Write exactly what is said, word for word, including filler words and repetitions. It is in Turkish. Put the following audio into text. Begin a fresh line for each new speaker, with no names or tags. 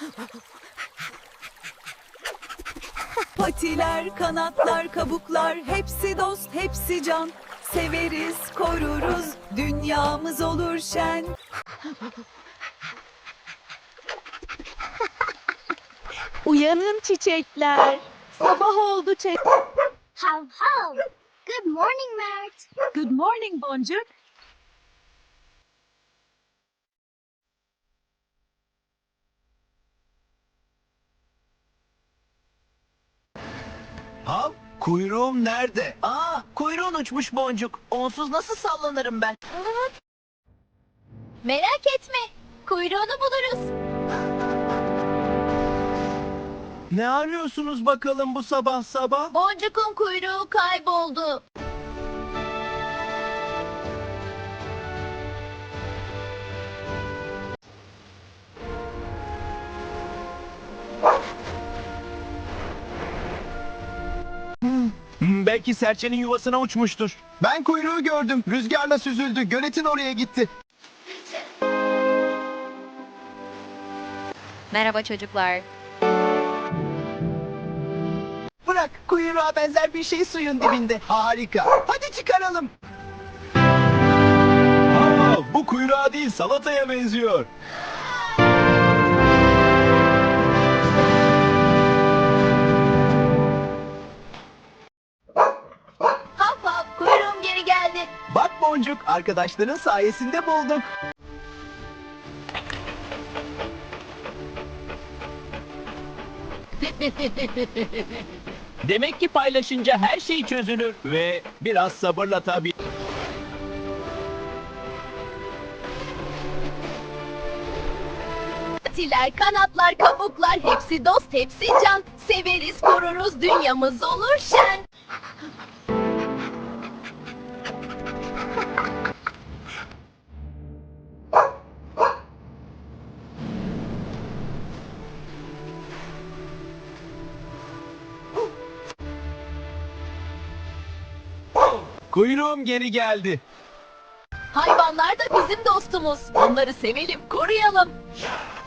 Patiler, kanatlar, kabuklar, hepsi dost, hepsi can. Severiz, koruruz, dünyamız olur şen.
Uyanın çiçekler. Sabah oldu çiçek.
Hav hav. Good morning, Mert.
Good morning Boncuk.
Hav, kuyruğum nerede?
Aa, kuyruğun uçmuş Boncuk. Onsuz nasıl sallanırım ben?
Merak etme. Kuyruğunu buluruz.
Ne arıyorsunuz bakalım bu sabah sabah?
Boncuk'un kuyruğu kayboldu.
Hmm, belki serçenin yuvasına uçmuştur. Ben kuyruğu gördüm. Rüzgarla süzüldü. Göletin oraya gitti.
Merhaba çocuklar.
Bırak, kuyruğa benzer bir şey suyun dibinde.
Harika.
Hadi çıkaralım.
Aa, bu kuyruğa değil salataya benziyor.
Hav hav. Kuyruğum geri geldi.
Bak Boncuk, arkadaşların sayesinde bulduk.
Demek ki paylaşınca her şey çözülür.
Ve biraz sabırla tabii.
Patiler, kanatlar, kabuklar, hepsi dost, hepsi can. Severiz, koruruz, dünyamız olur şen.
Kuyruğum geri geldi.
Hayvanlar da bizim dostumuz. Onları sevelim, koruyalım.